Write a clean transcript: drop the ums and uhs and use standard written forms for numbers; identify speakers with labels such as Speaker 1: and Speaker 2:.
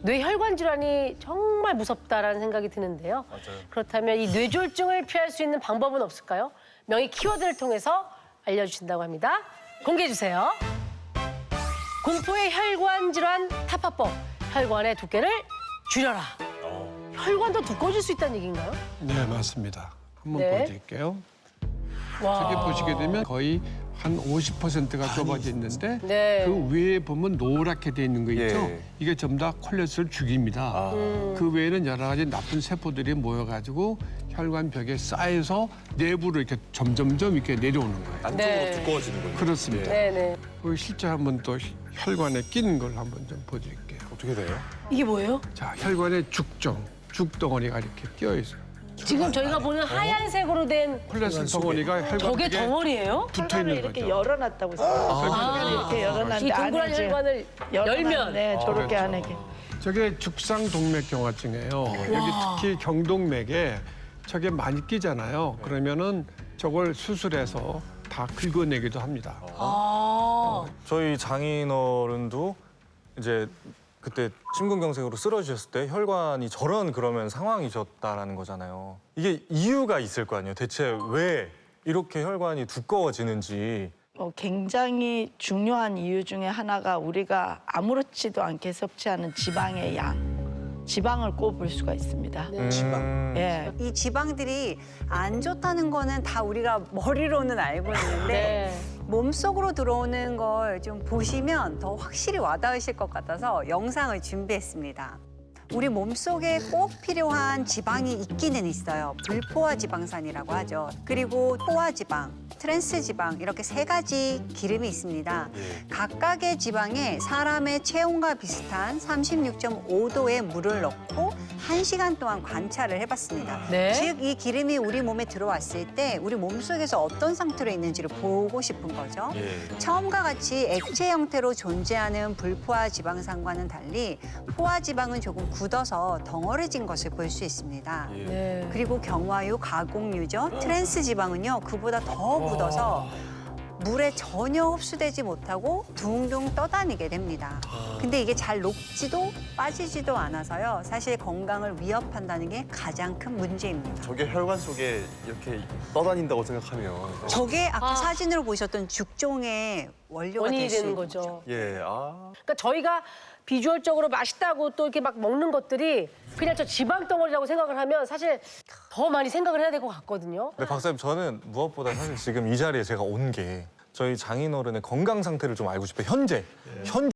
Speaker 1: 뇌혈관 질환이 정말 무섭다라는 생각이 드는데요.
Speaker 2: 맞아요.
Speaker 1: 그렇다면 이 뇌졸중을 피할 수 있는 방법은 없을까요? 명의 키워드를 통해서 알려주신다고 합니다. 공개해 주세요. 공포의 혈관 질환 타파법. 혈관의 두께를 줄여라. 혈관도 두꺼워질 수 있다는 얘기인가요?
Speaker 3: 네, 맞습니다. 한번
Speaker 1: 네.
Speaker 3: 보여드릴게요.
Speaker 1: 와.
Speaker 3: 저기 보시게 되면 거의 한 50%가 좁아져 있는데
Speaker 1: 네.
Speaker 3: 그 위에 보면 노랗게 돼 있는 거 있죠?
Speaker 2: 예.
Speaker 3: 이게 전부 다 콜레스테롤 죽입니다. 그 외에는 여러 가지 나쁜 세포들이 모여가지고 혈관 벽에 쌓여서 내부로 이렇게 점점점 이렇게 내려오는 거예요.
Speaker 2: 안쪽으로
Speaker 1: 네.
Speaker 2: 두꺼워지는군요.
Speaker 3: 그렇습니다.
Speaker 1: 네네.
Speaker 3: 그 실제 한번 또 혈관에 끼는 걸 한번 좀 보여드릴게요.
Speaker 2: 어떻게 돼요?
Speaker 1: 이게 뭐예요?
Speaker 3: 자, 혈관에 죽덩어리가 이렇게 끼어 있어요.
Speaker 1: 지금 저희가 보는 하얀색으로 된
Speaker 3: 콜레스테롤 덩어리가 혈관
Speaker 1: 저게
Speaker 3: 벽에
Speaker 1: 덩어리예요?
Speaker 3: 붙어
Speaker 4: 혈관을
Speaker 3: 있는
Speaker 4: 이렇게
Speaker 3: 거죠.
Speaker 4: 열어놨다고 생각해요. 이렇게
Speaker 1: 이
Speaker 4: 열어놨는데
Speaker 1: 동그란
Speaker 4: 안에 지금
Speaker 1: 혈관을 열면
Speaker 4: 네, 저렇게
Speaker 3: 그렇죠.
Speaker 4: 안에.
Speaker 3: 저게 죽상동맥경화증이에요. 여기 특히 경동맥에 저게 많이 끼잖아요. 그러면은 저걸 수술해서 다 긁어내기도 합니다.
Speaker 1: 아.
Speaker 2: 저희 장인어른도 이제 그때 심근경색으로 쓰러지셨을 때 혈관이 저런 그러면 상황이셨다라는 거잖아요. 이게 이유가 있을 거 아니에요. 대체 왜 이렇게 혈관이 두꺼워지는지.
Speaker 4: 굉장히 중요한 이유 중에 하나가 우리가 아무렇지도 않게 섭취하는 지방의 양, 지방을 꼽을 수가 있습니다. 예.
Speaker 5: 이 지방들이 안 좋다는 거는 다 우리가 머리로는 알고 있는데
Speaker 1: 네.
Speaker 5: 몸속으로 들어오는 걸 좀 보시면 더 확실히 와닿으실 것 같아서 영상을 준비했습니다. 우리 몸속에 꼭 필요한 지방이 있기는 있어요. 불포화 지방산이라고 하죠. 그리고 포화 지방, 트랜스 지방 이렇게 세 가지 기름이 있습니다. 각각의 지방에 사람의 체온과 비슷한 36.5도의 물을 넣고 1시간 동안 관찰을 해봤습니다.
Speaker 1: 네.
Speaker 5: 즉, 이 기름이 우리 몸에 들어왔을 때 우리 몸속에서 어떤 상태로 있는지를 보고 싶은 거죠. 처음과 같이 액체 형태로 존재하는 불포화 지방산과는 달리 포화 지방은 조금 굳어서 덩어리진 것을 볼 수 있습니다.
Speaker 1: 네.
Speaker 5: 그리고 경화유, 가공유죠. 트랜스 지방은요, 그보다 더 굳어서 물에 전혀 흡수되지 못하고 둥둥 떠다니게 됩니다. 근데 이게 잘 녹지도 빠지지도 않아서요. 사실 건강을 위협한다는 게 가장 큰 문제입니다.
Speaker 6: 저게 혈관 속에 이렇게 떠다닌다고 생각하면
Speaker 5: 저게 아까 사진으로 보셨던 죽종의 원료가
Speaker 1: 원인이
Speaker 5: 될 수
Speaker 1: 되는
Speaker 5: 있는
Speaker 1: 거죠.
Speaker 6: 예,
Speaker 1: 그러니까 저희가 비주얼적으로 맛있다고 또 이렇게 막 먹는 것들이 그냥 저 지방 덩어리라고 생각을 하면 사실 더 많이 생각을 해야 될 것 같거든요.
Speaker 2: 근데 박사님 저는 무엇보다 사실 지금 이 자리에 제가 온 게 저희 장인어른의 건강 상태를 좀 알고 싶어요. 현재